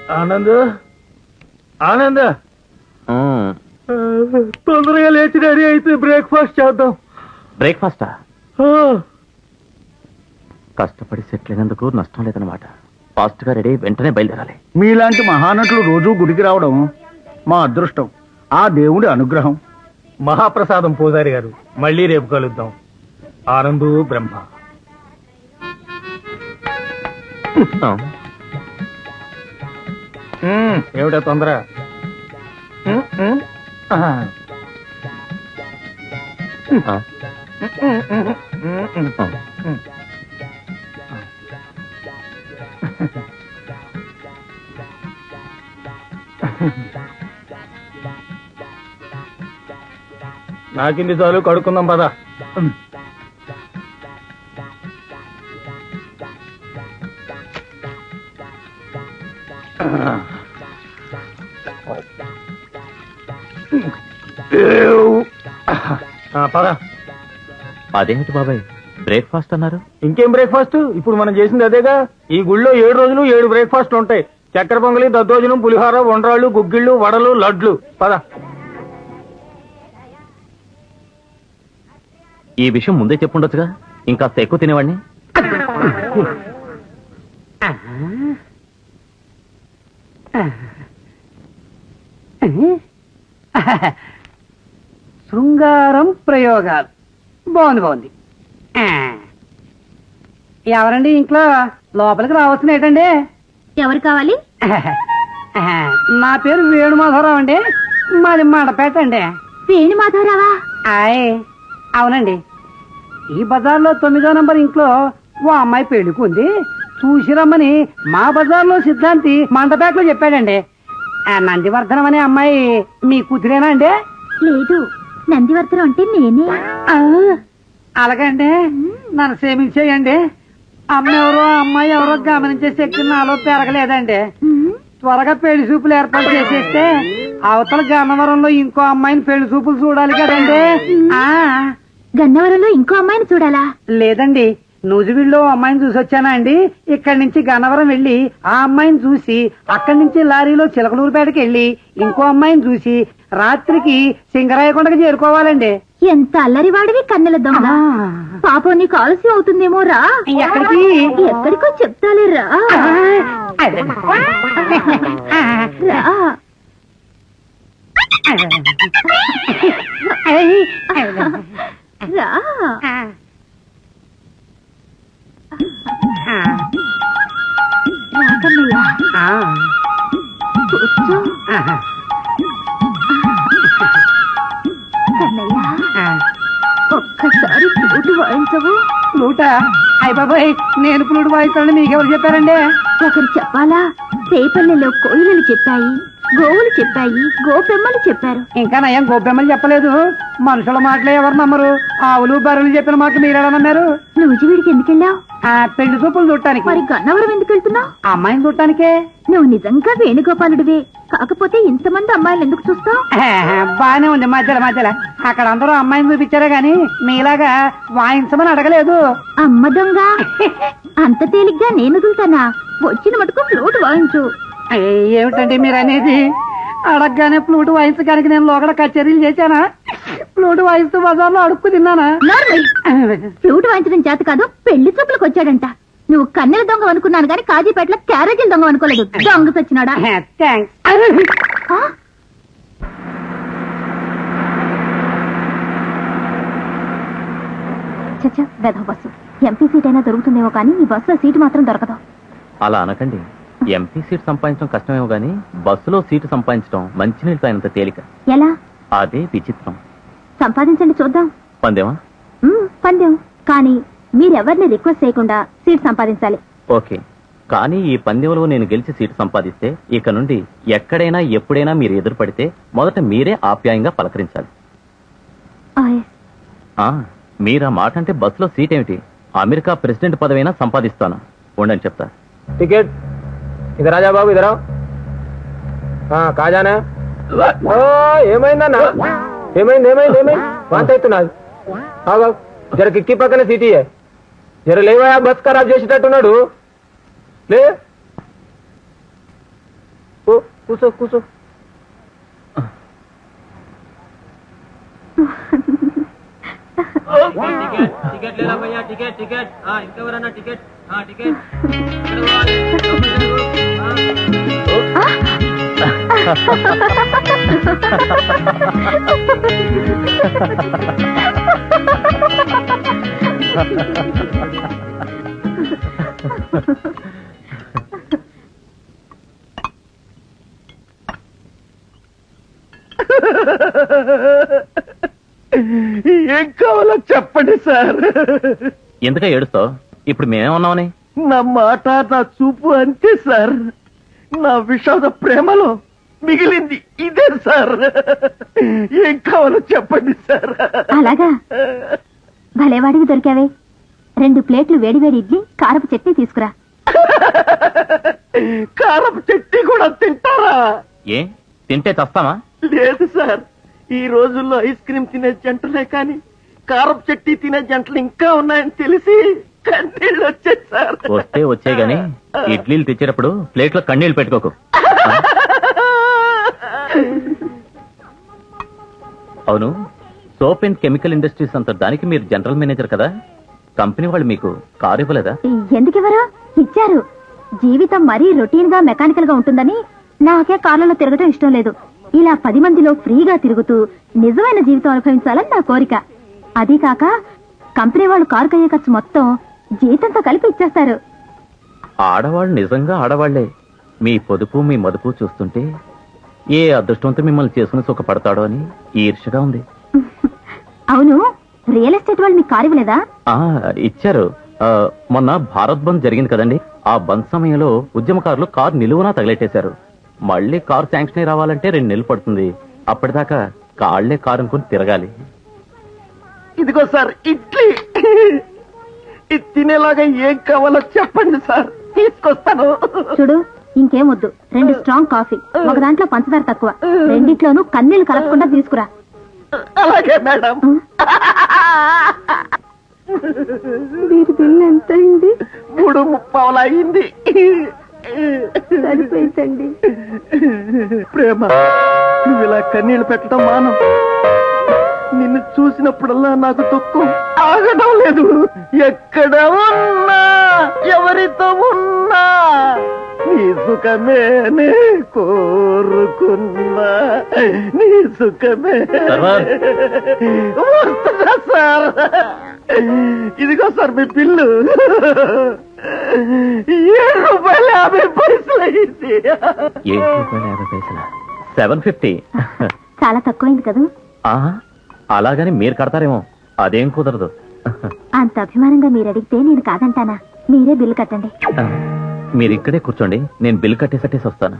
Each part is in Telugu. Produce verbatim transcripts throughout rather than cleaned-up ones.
ఆనంద్ ఆనంద్ తొందరగా లేచి రెడీ అయితే బ్రేక్ఫాస్ట్ చేద్దాం. బ్రేక్ఫాస్టా? కష్టపడి సెటిల్ అయినందుకు నష్టం లేదన్నమాట. ఫాస్ట్ గా రెడీ వెంటనే బయలుదేరాలి. మీలాంటి మహానటులు రోజు గుడికి రావడం మా అదృష్టం, ఆ దేవుడి అనుగ్రహం. మహాప్రసాదం పూజారి గారు, మళ్ళీ రేపు కలుద్దాం. ఆనందు బ్రహ్మ. ఏమిటా తొందర? నాకింది చాలు, కడుక్కుందాం పద. పద. అదేమిటి బాబాయ్ బ్రేక్ఫాస్ట్ అన్నారు? ఇంకేం బ్రేక్ఫాస్ట్? ఇప్పుడు మనం చేసింది అదేగా. ఈ గుళ్ళో ఏడు రోజులు ఏడు బ్రేక్ఫాస్ట్ ఉంటాయి. చక్కెర పొంగలి, దద్దోజనం, పులిహోర, వండ్రాళ్ళు, గుగ్గిళ్ళు, వడలు, లడ్లు. పద. ఈ విషయం ముందే చెప్పుండొచ్చుగా, ఇంకాస్త ఎక్కువ తినేవాడిని. శృంగారం ప్రయోగాలు బాగుంది బాగుంది. ఎవరండి ఇంట్లో? లోపలికి రావాల్సిన ఏంటండి? ఎవరు కావాలి? నా పేరు వేణుమాధవరావు అండి, మాది మండపేట అండి. వేణుమాధవరావా? ఆయ్ అవునండి. ఈ బజార్లో తొమ్మిదో నంబర్ ఇంట్లో ఓ అమ్మాయి పెళ్లికుంది, చూసి రమ్మని మా బజార్లో సిద్ధాంతి మండపేటలో చెప్పాడండి. నందివర్ధనం అనే అమ్మాయి మీ కూతురేనా అండి? లేదు, నందివర్ధనం అంటే నేనే. అలాగండి, నన్ను క్షమించేయండి. అమ్మ ఎవరో అమ్మాయి ఎవరో గమనించే శక్తి నాలో పెరగలేదండి. త్వరగా పెళ్లి చూపులు ఏర్పాటు చేసేస్తే అవతల గన్నవరంలో ఇంకో అమ్మాయిని పెళ్లి చూపులు చూడాలి కదండి. ఆ గన్నవరంలో ఇంకో అమ్మాయిని చూడాలా? లేదండి, నూజివీడులో అమ్మాయిని చూసి వచ్చానా అండి. ఇక్కడి నుంచి గన్నవరం వెళ్లి ఆ అమ్మాయిని చూసి అక్కడి నుంచి లారీలో చిలకలూరుపేటకి వెళ్లి ఇంకో అమ్మాయిని చూసి రాత్రికి సింగరాయకొండకి చేరుకోవాలండి. ఎంత అల్లరివాడివి కన్నెల దొంగ. పాపం నీకు ఆలస్యం అవుతుందేమో, రా. ఎక్కడికి? ఎక్కడికో చెప్తాలే, రా. రా. కూర్చో. ఒక్కసారి ఫ్లూట్ వాయించవు? ఫ్లూటా? అయ్య బాబాయ్, నేను ఫ్లూట్ వాయిస్తానని మీకెవరు చెప్పారండి? ఒకరు చెప్పాలా? రేపల్లెలో కోయిలలు చెప్పాయి, గోవులు చెప్పాయి, గోపెమ్మలు చెప్పారు. ఇంకా నయం గోపెమ్మలు చెప్పలేదు. మనుషుల మాటలే ఎవరు నమ్మరు. ఆవులు బర్రెలు చెప్పిన మాటలు మీరెలా నమ్మారు? నూజివీడికి ఎందుకెళ్ళావు? ఆ పెళ్లి చూపులు చూడటానికి. మరి గన్నవరం ఎందుకు వెళ్తున్నావు? అమ్మాయిని చూడటానికే. నువ్వు నిజంగా వేణుగోపాలుడివే, కాకపోతే ఇంతమంది అమ్మాయిలు ఎందుకు చూస్తావు? బానే ఉంది మధ్యలో మధ్యలో. అక్కడ అందరూ అమ్మాయిని చూపించారే గాని మీలాగా వాయించమని అడగలేదు. అమ్మ దొంగ, అంత తేలిగ్గా నేను వదులుతానా? వచ్చిన మటుకు ఫ్లూట్ వాయించు. ఏమిటండి మీరు అనేది? అడగగానే ఫ్లూట్ వాయించడానికి నేను లోకడ కచేరీలు చేశానా? ఫ్లూట్ వాయిస్తూ బజార్లో అడుక్కు తిన్నానా? ఫ్లూట్ వాయించడం చేత కాదు, పెళ్లి చూపులకు వచ్చాడంట. నువ్వు కన్నెల దొంగ అనుకున్నాను గాని కాజీపేటలో క్యారేజీల దొంగ అనుకోలేదు. దొంగ సచ్చినాడా? చచ్చా, వెధవ బస్సు. ఎంపీ సీట్ అయినా దొరుకుతుందేమో కానీ ఈ బస్సులో సీటు మాత్రం దొరకదు. అలా అనకండి. ఎంపీ సీట్ సంపాదించడం కష్టమేమో గానీ బస్సులో సీటు సంపాదించడం మంచినీళ్ళు అయినంత తేలిక. ఎలా? అదే విచిత్రం. సంపాదించండి చూద్దాం. పందేమా? పందెం. కానీ మీరెవరిని రిక్వెస్ట్ చేయకుండా సీట్ సంపాదించాలి. ఓకే, కానీ ఈ పందెంలో నేను గెలిచి సీటు సంపాదిస్తే ఇక నుండి ఎక్కడైనా ఎప్పుడైనా మీరు ఎదురుపడితే మొదట మీరే ఆప్యాయంగా పలకరించాలి. మీరా మాట అంటే బస్సులో సీట్ ఏమిటి, అమెరికా ప్రెసిడెంట్ పదవైనా సంపాదిస్తాను. ఉండని చెప్తా. టికెట్ ఇదరా రాజా బాబు, ఇదరా. కాజానా? ఏమైందన్నా? ఏమైంది ఏమైంది ఏమైంది? వాంత అవుతున్నది. జర కిక్కి పక్కన సీటీ జర లేవా, బస్ ఖరాబ్ చేసేటట్టున్నాడు. లే కూసో కూసో. టికెట్ లేదా భయ్యా, టికెట్ టికెట్. ఇంకెవరన్నా టికెట్ టికెట్. ఏం కావాలో చెప్పండి సార్. ఎందుక ఏడుస్తావు? ఇప్పుడు మేమేమన్నామని? నా మాట నా చూపు అంతే సార్. నా విషాద ప్రేమలో మిగిలింది ఇదే సార్. ఏం కావాలో చెప్పండి సార్. అలాగా భలేవాడికి దొరికావే. రెండు ప్లేట్లు వేడివేడి ఇడ్లీ కారపు చట్నీ తీసుకురా. కారపు చట్నీ కూడా తింటారా? ఏ తింటే చస్తామా? లేదు సార్, ఈ రోజుల్లో ఐస్ క్రీమ్ తినే జంటలే కానీ కారపు చట్నీ తినే జంటలు ఇంకా ఉన్నాయని తెలిసి కన్నీళ్ళు వచ్చాయి సార్. వస్తే వచ్చే గాని ఇడ్లీలు తెచ్చేటప్పుడు ప్లేట్లో కన్నీళ్లు పెట్టుకోకు. అవును, సోప్ అండ్ కెమికల్ ఇండస్ట్రీస్ అంత దానికి మీరు జనరల్ మేనేజర్ కదా, కంపెనీ వాళ్ళు మీకు కారు ఇవ్వలేదా? ఎందుకు ఇవ్వరు? ఇచ్చారు. జీవితం మరీ రొటీన్ గా మెకానికల్ గా ఉంటుందని నాకే కార్లలో తిరగటం ఇష్టం లేదు. ఇలా పది మందిలో ఫ్రీగా తిరుగుతూ నిజమైన జీవితం అనుభవించాలని నా కోరిక. అదీ కాక కంపెనీ వాళ్ళు కారు కయ్యే ఖర్చు మొత్తం జీతంతో కలిపి ఇచ్చేస్తారు. ఆడవాళ్ళు నిజంగా ఆడవాళ్లే. మీ పొదుపు మీ మదుపు చూస్తుంటే ఏ అదృష్టంతో మిమ్మల్ని చేసుకుని సుఖపడతాడో అని ఈర్ష్యగా ఉంది. అవును, రియల్ ఎస్టేట్ వాళ్ళు మీకు కారు ఇవ్వలేదా? ఆ ఇచ్చారు. ఆ, మొన్న భారత్ బంద్ జరిగింది కదండి, ఆ బంద్ సమయంలో ఉద్యమకారులు కారు నిలువునా తగలెట్టేశారు. మళ్ళీ కారు శాంక్షన్ అయి రావాలంటే రెండు నెలలు పడుతుంది. అప్పటిదాకా కాళ్లే కారు అనుకుని తిరగాలి. ఇదిగో సార్ ఇడ్లీ. ఇది తినేలాగా ఏం కావాలో చెప్పండి సార్, తీసుకొస్తాను. చూడు, ఇంకేం వద్దు. రెండు స్ట్రాంగ్ కాఫీ, ఒక దాంట్లో పంచదార తక్కువ, రెండిట్లోనూ కన్నీళ్లు కలపకుండా తీసుకురా. అలాగే మేడం. వీరి బిల్లు ఎంత అయింది? మూడు ముప్పావులు అయింది. సరిపోయిందండి. ప్రేమ, నువ్వు ఇలా కన్నీళ్లు పెట్టడం మానం. నిన్ను చూసినప్పుడల్లా నాకు దుఃఖం ఆగడం లేదు. ఎక్కడ ఉన్నా ఎవరితో ఉన్నా నీ సుఖమేనే కోరుకున్నా, నీ సుఖమే. సర్వర్. వస్తుందా సార్? ఇదిగో సార్ మీ బిల్లు. ఏడు రూపాయలు యాభై పైసలు అయింది. ఏడు రూపాయల యాభై పైసల సెవెన్ ఫిఫ్టీ. చాలా తక్కువైంది కదా? అలాగని మీరు కడతారేమో, అదేం కుదరదు. అంత అభిమానంగా మీరు అడిగితే నేను కాదంటానా? మీరే బిల్లు కట్టండి. మీరు ఇక్కడే కూర్చోండి, నేను బిల్ కట్టేసట్టేసి వస్తాను.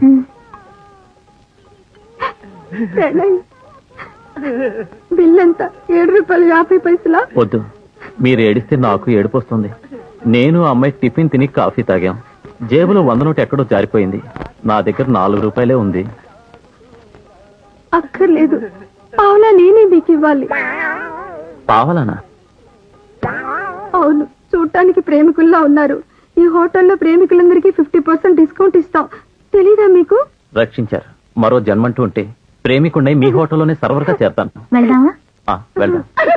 బిల్ ఎంత? ఏడు రూపాయలు యాభై పైసలా? వద్దు, మీరు ఏడిస్తే నాకు ఏడుపు వస్తుంది. నేను అమ్మాయి టిఫిన్ తిని కాఫీ తాగాం. జేబులో వంద నోటు ఎక్కడో జారిపోయింది. నా దగ్గర నాలుగు రూపాయలే ఉంది. అక్కర్లేదు, పావులా నేనే మీకు ఇవ్వాలి. పావలానా? అవును, చూడటానికి ప్రేమికుల్లా ఉన్నారు. ఈ హోటల్లో ప్రేమికులందరికీ ఫిఫ్టీ పర్సెంట్ డిస్కౌంట్ ఇస్తాం. తెలీదా మీకు? రక్షించారు. మరో జన్మంటూ ఉంటే ప్రేమికుండై మీ హోటల్లోనే సర్వర్గా చేరతాను. వెళ్దామా? ఆ, వెళ్దాం.